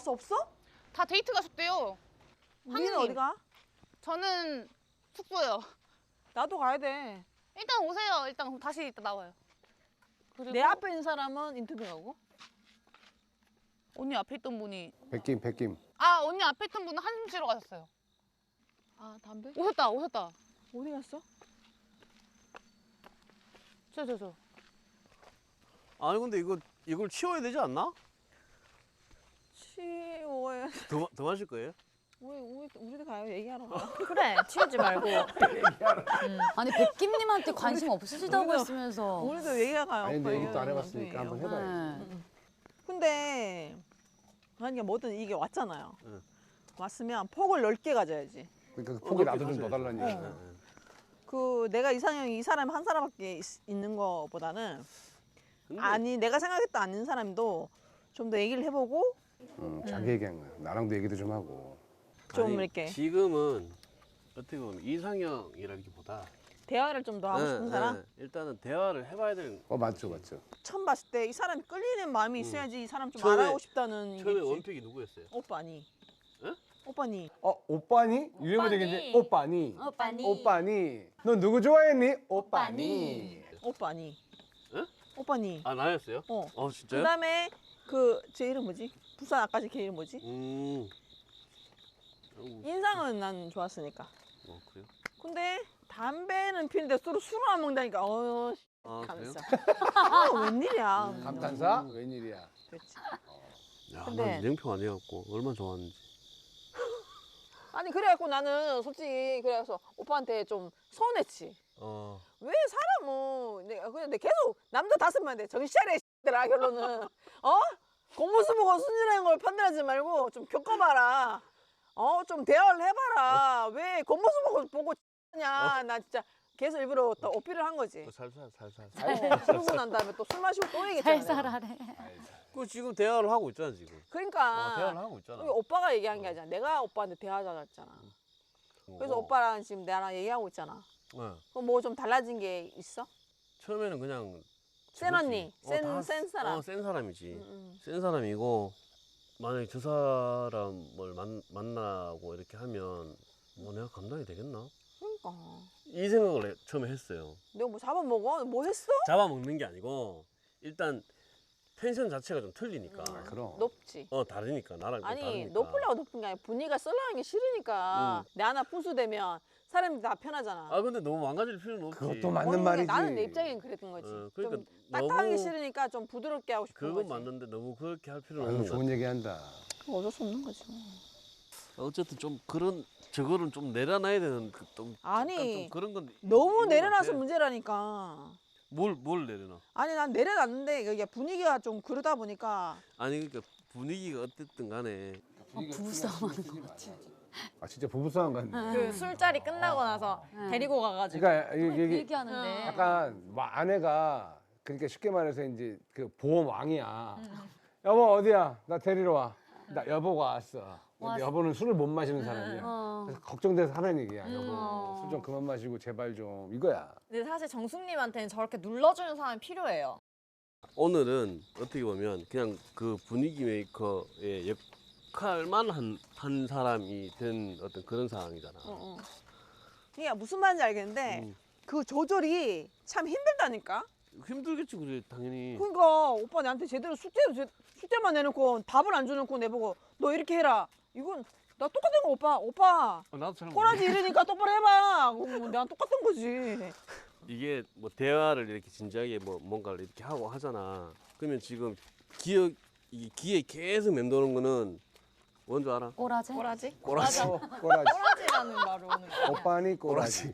왔어? 없어? 다 데이트 가셨대요. 우리는 하느님. 어디 가? 저는 숙소요. 나도 가야 돼. 일단 오세요. 일단 그럼 다시 이따 나와요. 그리고 내 앞에 있는 사람은 인터뷰 가고. 언니 앞에 있던 분이 백김. 아 언니 앞에 있던 분은 한숨 쉬러 가셨어요. 아 담배? 오셨다. 어디 갔어? 저. 아니 근데 이걸 치워야 되지 않나? 치워야. 더 마실 거예요? 우리도 가요. 얘기하러 가. 그래 치우지 말고. 아니 백김님한테 관심 없으시다고 우리도- 했으면서. 우리도 얘기가 가요. 아니 오빠 근데 이것도 안 얘기하는 해봤으니까 한번 건데. 해봐야지. 네. 근데 그러니까 뭐든 이게 왔잖아요. 응. 왔으면 폭을 넓게 가져야지. 그러니까 그 폭이 나도 좀 더 달라는 어. 얘기야. 그 내가 이상형이 이 사람 한 사람밖에 있는 거보다는 근데 아니 내가 생각했던 아닌 사람도 좀 더 얘기를 해보고 자기 얘기한 거야. 나랑도 얘기도 좀 하고. 좀 아니, 이렇게 지금은 어떻게 보면 이상형이라기보다 대화를 좀 더 하고 싶은 사람. 일단은 대화를 해봐야 되는. 맞죠. 처음 봤을 때 이 사람이 끌리는 마음이 있어야지 이 사람 좀 처음에- 알아가고 싶다는 처음에 이겠지. 원픽이 누구였어요? 오빠니. 응? 오빠니. 오빠니? 유행어적인데 오빠니. 오빠니. 너 누구 좋아했니? 오빠니. 오빠니. 응? 오빠니. 아 나였어요? 어. 진짜요? 그다음에 제 이름 뭐지? 부산 아까지 걔 이름 뭐지? 인상은 난 좋았으니까. 그래요? 근데 담배는 피는데 술을 안 먹다니까 아 그래요? 가면서 웬일이야. 감탄사? 웬일이야. 그렇지. 야, 근데- 난 냉평 안 해갖고 얼마나 좋았는지. 아니 그래갖고 나는 솔직히 그래서 오빠한테 좀 서운했지. 왜 사람은 근데 계속 남자 5명한테 정신 차려 이들아 결론은 겉모습 보고 순진한 걸 판단하지 말고 좀 겪어봐라. 좀 대화를 해봐라. 왜 겉모습 보고 냐 나 진짜 계속 일부러 또 어필을 한 거지. 살살. 그러고 난 다음에 또 술 마시고 또 얘기했잖아. 살살하네. 그 지금 대화를 하고 있잖아 지금. 그러니까 대화를 하고 있잖아. 이게 오빠가 얘기한 게 아니라 내가 오빠한테 대화하자고 했잖아. 그래서 오빠랑 지금 나랑 얘기하고 있잖아. 네. 그럼 뭐 좀 달라진 게 있어? 처음에는 그냥 센 언니, 저거지. 센 사람. 센 사람이지. 응. 센 사람이고 만약에 저 사람을 만나고 이렇게 하면 뭐 내가 감당이 되겠나? 그러니까 이 생각을 처음에 했어요. 내가 뭐 잡아먹어? 뭐 했어? 잡아먹는 게 아니고 일단 텐션 자체가 좀 틀리니까. 그럼. 높지. 다르니까 나랑 좀 아니 다르니까. 높으려고 높은 게 아니라 분위기가 썰렁한 게 싫으니까 내 하나 분수되면 사람이 다 편하잖아. 아 근데 너무 망가질 필요는 없지. 그것도 맞는 모르는 게 말이지. 나는 내 입장엔 그랬던 거지. 그러니까 좀 딱딱한 게 너무- 싫으니까 좀 부드럽게 하고 싶은 그건 거지. 맞는데 너무 그렇게 할 필요는 아유, 없는 거 좋은 얘기한다. 그거 어쩔 수 없는 거지. 어쨌든 좀 그런 저거는 좀 내려놔야 되는 좀 아니, 약간 좀 그런 건 너무 있는 것 내려놔서 같아. 문제라니까. 뭘 내려놔? 아니 난 내려놨는데 이게 분위기가 좀 그러다 보니까 아니 그러니까 분위기가 어쨌든 간에 부부싸움하는 것 같아. 진짜 부부싸움 같네. 그 술자리 끝나고 나서 데리고 가가지고. 그러니까 그 이게 얘기하는데. 약간 아내가 그러니까 쉽게 말해서 이제 그 보험 왕이야. 여보 어디야? 나 데리러 와. 나 여보가 왔어. 근데 여보는 술을 못 마시는 사람이야. 그래서 걱정돼서 하는 얘기야. 여보 술 좀 그만 마시고 제발 좀 이거야. 근데 사실 정숙님한테는 저렇게 눌러주는 사람이 필요해요. 오늘은 어떻게 보면 그냥 그 분위기 메이커의 역할만 한 사람이 된 어떤 그런 상황이잖아. 그러니까 무슨 말인지 알겠는데 그 조절이 참 힘들다니까. 힘들겠지 그래 당연히. 그러니까 오빠 나한테 제대로 숙제만 내놓고 답을 안 줘놓고 내보고 너 이렇게 해라. 이건 나 똑같은 거 오빠 나도 잘 꼬라지 이러니까 똑바로 해봐. 그럼 내가 똑같은 거지. 이게 뭐 대화를 이렇게 진지하게 뭐 뭔가를 이렇게 하고 하잖아. 그러면 지금 이 귀에 계속 맴도는 거는 뭔 줄 알아? 꼬라지? 꼬라지? 꼬라지. 꼬라지. 꼬라지라는 말이 오는 거야. 오빠니 꼬라지.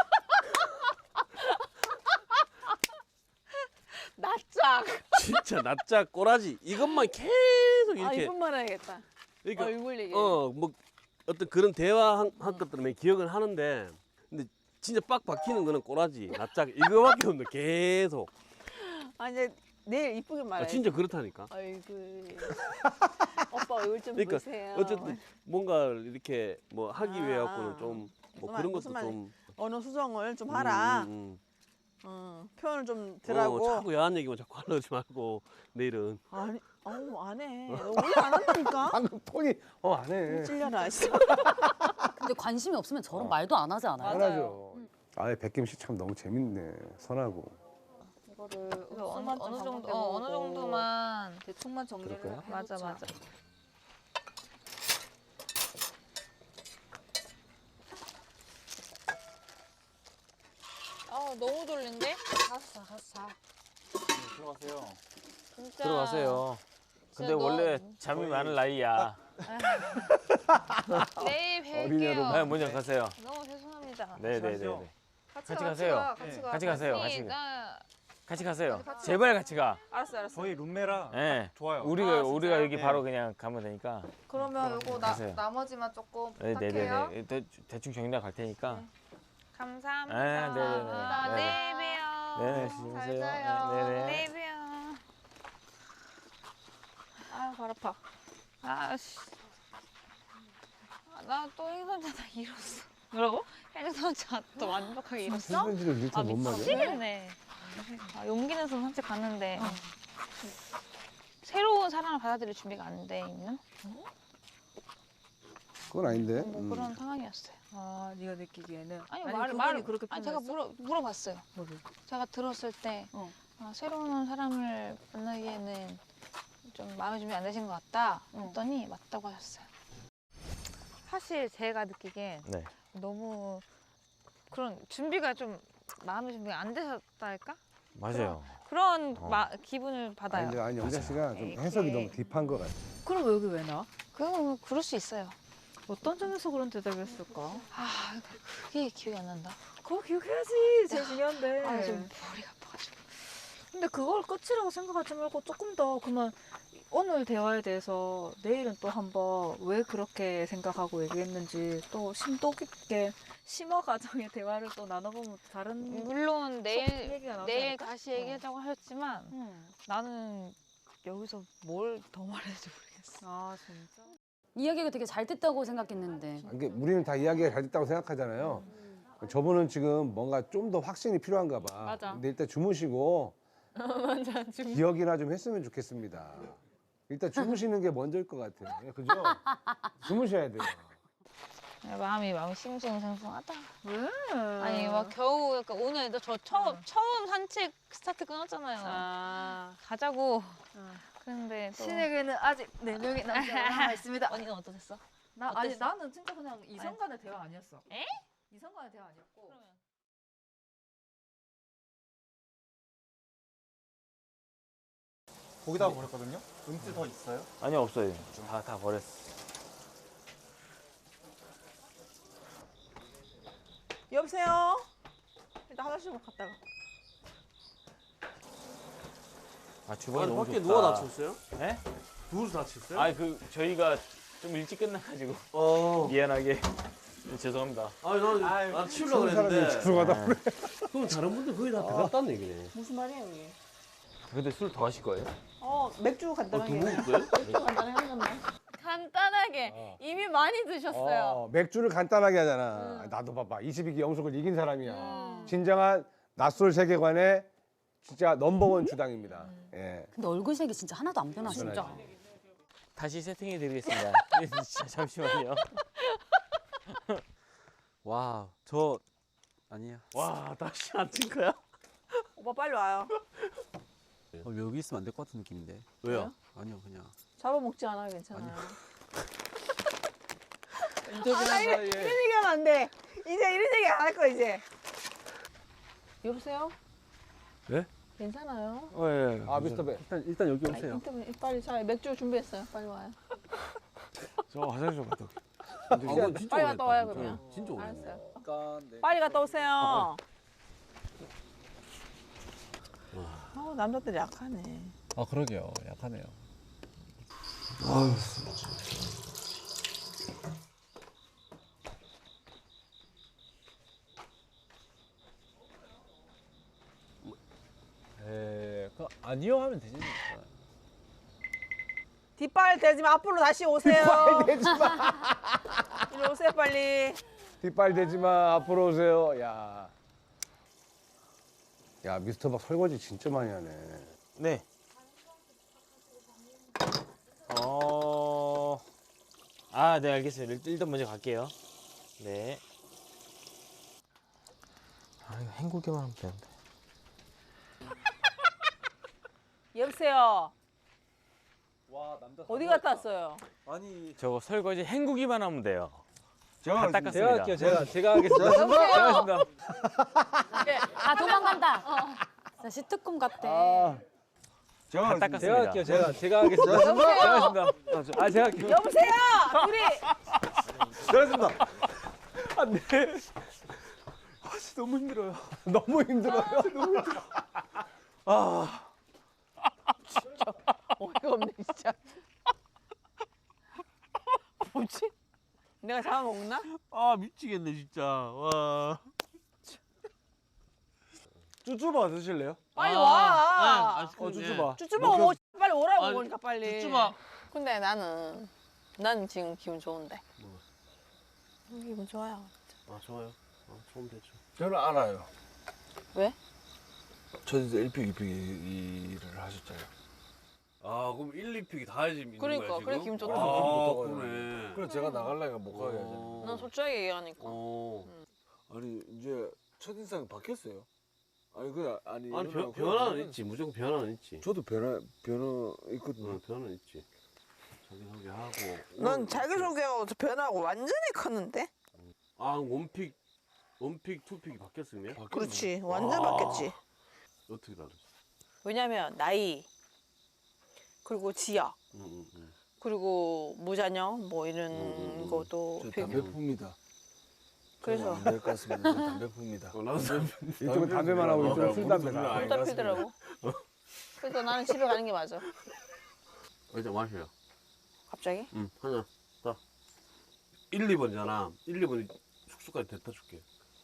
낯짝. 진짜 낯짝 꼬라지 이것만 계속 아 이렇게 이쁜 말 해야겠다. 그러니까 얼굴 얘기. 뭐 어떤 그런 대화한 것들은 기억을 하는데 근데 진짜 빡 박히는 거는 꼬라지 낯짝 이거밖에 없네 계속. 아 이제 내일 이쁘게 말해. 진짜 그렇다니까. 아이고. 오빠 얼굴 좀 그러니까 보세요. 어쨌든 뭔가를 이렇게 뭐 하기 위해 갖고는 좀 뭐 그런 것도 무슨 말- 좀 언어 수정을 좀 하라. 표현을 좀 덜하고. 자꾸 야한 얘기만 자꾸 하려지 말고 내일은 아니 어우 안 해. 너 원래 안 한다니까. 방금 톤이 안 해. 찔려라. 진짜. 근데 관심이 없으면 저런 말도 안 하지 않아요? 안 하죠. 아예 백김 씨 참 너무 재밌네. 선하고. 이거를 어느 정도 어느 정도만 대충만 정리를 그럴까요? 맞아 해놓자. 맞아. 아 너무 졸린데? 가서 자. 들어가세요. 진짜. 들어가세요. 근데 진짜 원래 잠이 많은 나이야. 내일 어린애로 뵐게요. 네, 먼저 가세요. 너무 죄송합니다. 네네네. 같이 가세요. 같이 같이 가세요. 아니, 나 같이 가세요. 제발 같이 가. 알았어 알았어. 저희 룸메라. 아, 네. 좋아요. 우리가 여기 네. 바로 그냥 가면 되니까. 그러면 요거 가세요. 나머지만 조금 부탁해요. 네네네. 대충 정리나 갈 테니까. 감사합니다. 네, 네네네. 나 내일 봬요. 네네. 조심하세요. 잘 자요. 네네. 내일 봬요. 아유 발 아파. 아씨. 나 또 행선자다 잃었어. 뭐라고? 행선자 또 완벽하게 잃었어? 편지를 이렇게 못 말이야? 미치겠네. 용기 내서 산책 갔는데 새로운 사랑을 받아들일 준비가 안 돼 있는 그건 아닌데. 뭐 그런 상황이었어요. 아, 네가 느끼기에는 아니 그분이 말을 그렇게 아니 제가 표현했어? 물어봤어요. 뭐를? 제가 들었을 때 어. 새로운 사람을 만나기에는 좀 마음의 준비 안 되신 것 같다 했더니 맞다고 하셨어요. 사실 제가 느끼기엔 네. 너무 그런 준비가 좀 마음의 준비가 안 되셨달까? 맞아요. 그런 기분을 받아요. 아니 영자 씨가 좀 이렇게. 해석이 너무 딥한 것 같아. 그럼 여기 왜 나? 그럴 수 있어요. 어떤 점에서 그런 대답을 했을까? 아 그게 기억이 안 난다. 그거 기억해야지. 제일 중요한데. 아 좀 머리가 아파가지고. 근데 그걸 끝이라고 생각하지 말고 조금 더 그러면 오늘 대화에 대해서 내일은 또 한번 왜 그렇게 생각하고 얘기했는지 또 심도 깊게 심화 과정의 대화를 또 나눠보면 다른 물론 얘기가 나오지 내일 않을까? 다시 얘기하자고 하셨지만 나는 여기서 뭘 더 말해야지 모르겠어. 아 진짜? 이야기가 되게 잘 됐다고 생각했는데. 이게 우리는 다 이야기가 잘 됐다고 생각하잖아요. 저분은 지금 뭔가 좀 더 확신이 필요한가 봐. 맞아. 근데 일단 주무시고 맞아 기억이나 좀 했으면 좋겠습니다. 일단 주무시는 게 먼저일 것 같아요. 예, 그죠? 주무셔야 돼요. 마음이 싱숭생숭하다. 왜? 아니 막 겨우 약간 오늘 저 처음 산책 스타트 끊었잖아요. 가자고. 그런데 또 신에게는 아직 4명의 남자가 남아 있습니다. 언니는 어떠셨어? 아니 나는 진짜 그냥 이성 간의 대화 아니었어. 에? 이성 간의 대화 아니었고. 거기다가 버렸거든요. 은지 더 있어요? 아니 없어요. 다 버렸어. 여보세요. 일단 화장실 갔다가. 주방이 아니, 너무 밖에 좋다. 누가 다쳤어요? 네? 누워서 다쳤어요? 아니 저희가 좀 일찍 끝나가지고 미안하게 죄송합니다. 아니 난 치우려고 그랬는데 죄송하다. 네. 그럼 다른 분들 거의 다 들어갔다는 얘기네. 무슨 말이에요 이게? 근데 술 더 하실 거예요? 맥주 간단하게. 누구 거예요? 맥주 간단하게 한 잔만. 간단하게 이미 많이 드셨어요. 맥주를 간단하게 하잖아. 나도 봐봐. 22기 영속을 이긴 사람이야. 진정한 낯설 세계관의 진짜 넘버원 주당입니다. 예. 근데 얼굴색이 진짜 하나도 안 변하시죠? 진짜. 다시 세팅해 드리겠습니다. 진짜 잠시만요. 와, 저 아니야. 와 다시 안 찐 거야? 오빠 빨리 와요. 여기 있으면 안 될 것 같은 느낌인데. 왜요? 아니요, 그냥. 잡아먹지 않아요, 괜찮아요. 인터뷰한 이런 얘기하면 안 돼. 이제 이런 얘기 안 할 거야 이제. 여보세요? 네? 괜찮아요. 예. 아 미스터 배. 일단 여기 아니, 오세요. 인터뷰 빨리 자 맥주 준비했어요. 빨리 와요. 저 화장실 좀 갔다 올게요. 빨리 갔다 와요 그러면. 진짜 오래. 알았어요. 잠깐. 네. 빨리 갔다 오세요. 남자들 약하네. 아, 그러게요. 약하네요. 아니요 하면 되지. 뒷발 대지 마. 앞으로 다시 오세요. 뒷발 대지 마. 이리 오세요 빨리. 뒷발 대지 마. 앞으로 오세요. 야. 야 미스터 박 설거지 진짜 많이 하네. 네. 네, 알겠습니다. 일단 먼저 갈게요. 네. 이거 헹구기만 하면 되는데. 여보세요. 와 남자 어디 갔다 왔어요? 아니 저거 설거지 헹구기만 하면 돼요. 제가 다 닦았습니다. 제가 하겠습니다. 여보세요. 아 도망간다. 진짜 시트콤 같아. 제가 다 닦았습니다. 제가 하겠습니다. 여보세요. 제가 할게요. 여보세요. 둘이 제가 하겠습니다. 안돼. 너무 힘들어요. 너무 힘들어요. 어이가 없네 진짜. 뭐지? 내가 잡아먹나? 미치겠네 진짜. 와. 쭈쭈바 드실래요? 빨리 와. 쭈쭈바. 쭈쭈바 뭐 빨리 오라고 아니, 그러니까 빨리. 쭈쭈바. 근데 난 지금 기분 좋은데. 기분 좋아요. 좋아요. 좋으면 되죠. 저는 알아요. 왜? 저 이제 1픽, 2픽 일을 하셨잖아요. 그럼 1, 2픽이 다 해지 있는 그러니까, 거야 지금? 그래 기분 좋다. 그러네. 그래 제가 나가려니까 못 가게 하잖아요. 난 솔직하게 얘기하니까. 아니 이제 첫인상이 바뀌었어요. 아니 그냥 아니 변화는 있지. 무조건 변화는 있지. 저도 변화 있거든요. 변화는 있지. 자기소개하고. 넌 자기소개하고 변하고 완전히 컸는데? 원픽, 투픽이 바뀌었으면? 그렇지. 완전 바뀌었지. 어떻게 다르지? 왜냐면 나이 그리고 지역 그리고 무자녀 뭐 이런 것도 저 담배 풉니다. 그래서 안될 것 같습니다. 저 담배 풉니다. 이쪽은 담배만 하고 이쪽은 술 담배다. 다 피더라고. 그래서 나는 집에 가는 게 맞아. 일단 마셔요. 갑자기? 하나 딱 1, 2번이잖아. 1, 2번이 숙소까지 데려다 줄게.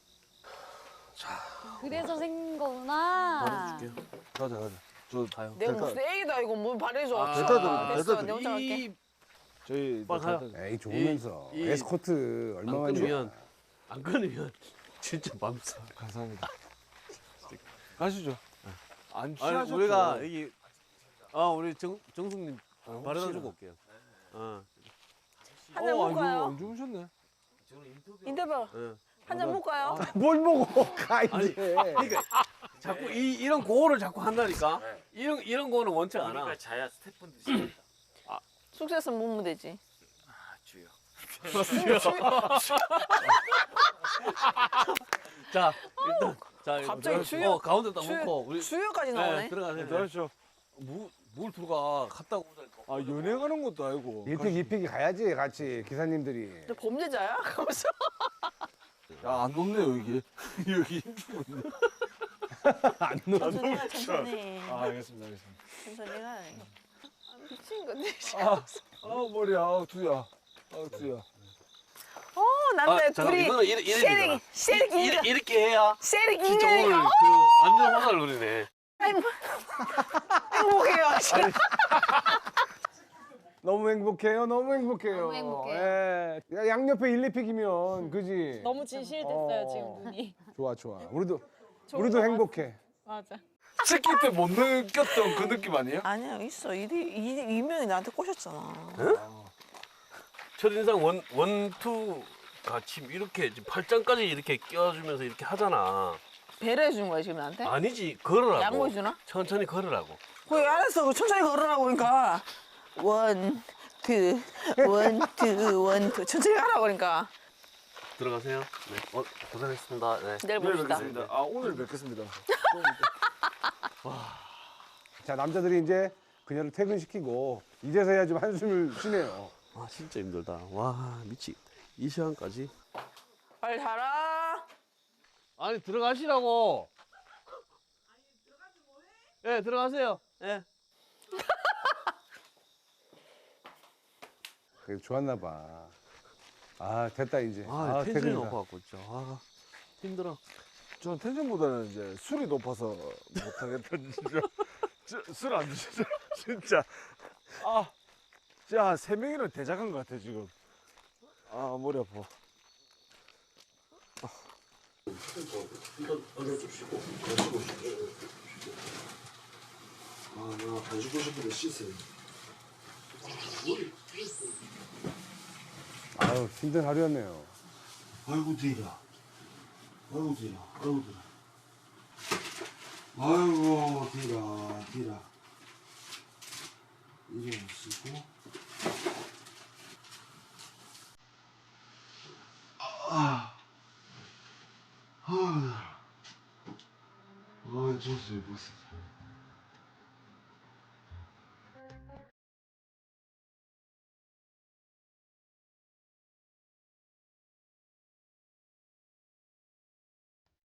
그래서 생긴 거구나. 줄게요. 가자. 저 가요. 내가 무슨 애기다 이거 뭐 바래줘. 됐다, 됐어. 내가 혼자 갈게. 저희 빨리 가요. 에이 좋으면서 이- 에스코트 안 얼마만이야. 끊으면 진짜 맘싸. 감사합니다. 가시죠. 안 아니 취하셨죠? 우리가 여기 우리 정숙님 바래다 주고 올게요. 한잔 먹을까요? 안 주무셨네. 인터뷰 예. 한잔 먹을까요? 뭘 먹어? 가 아니, 이제. 그러니까 자꾸 이런 고를 자꾸 한다니까. 이런 거는 원치 않아. 자야 스태프분들 숙소에서 먹으면 되지. 주요. 자 일단 갑자기 주요- 가운데 딱 놓고 우리 주요까지 나오네. 들어가세요. 들어가시죠. 뭘 들어가 갔다 오자니까. 연애 가는 것도 아니고. 1픽, 2픽이 가야지 같이 기사님들이. 너 범죄자야? 가면서. 안 높네요 여기. 여기. 천천히 가 천천히. 알겠습니다. 천천히 가. 미친 건데. 머리야. 두야. 두야. 남자 잠깐, 둘이 이거는 이래 쉐릭 이렇게 해야 쉐릭 진짜 오늘 인간이가 그 완전 화살 노리네. 행복해요. 너무 행복해요. 너무 행복해요. 너무 행복해요. 예. 야, 양옆에 1, 2픽이면 그지? 너무 진실됐어요 지금 눈이. 좋아. 우리도 행복해. 맞아. 새끼 때 못 느꼈던 그 느낌 아니에요? 아니야 있어. 이명이 나한테 꼬셨잖아. 첫인상 원, 투 같이 이렇게 지금 팔짱까지 이렇게 껴주면서 이렇게 하잖아. 배려해 주는 거야 지금 나한테? 아니지 걸으라고. 양보해 주나? 천천히 걸으라고. 그래 알았어. 그 천천히 걸으라고 그러니까. 원, 투, 천천히 가라고 그러니까. 들어가세요. 네. 고생했습니다. 네. 내일 봅시다. 오늘 뵙겠습니다. 자, 남자들이 이제 그녀를 퇴근시키고 이제서야 좀 한숨을 쉬네요. 와 진짜 힘들다. 와 이 시간까지. 빨리 자라. 아니 들어가시라고. 예 들어가세요. 예. 그래, 좋았나 봐. 됐다 이제. 텐션이 퇴근이다. 높아갖고 진짜. 힘들어. 저는 텐션보다는 이제 술이 높아서 못하겠다 진짜. 술 안 드시죠? 진짜. 진짜 한 3명이랑 대작한 것 같아 지금. 머리 아파. 나 가지고 싶은데 씻어요. 아유 힘든 하루였네요. 아이고 뒤라. 아이고 뒤라. 아이고 뒤라. 아이고 뒤라. 뒤라. 일어나시고. 아, 줬어요, 벌써.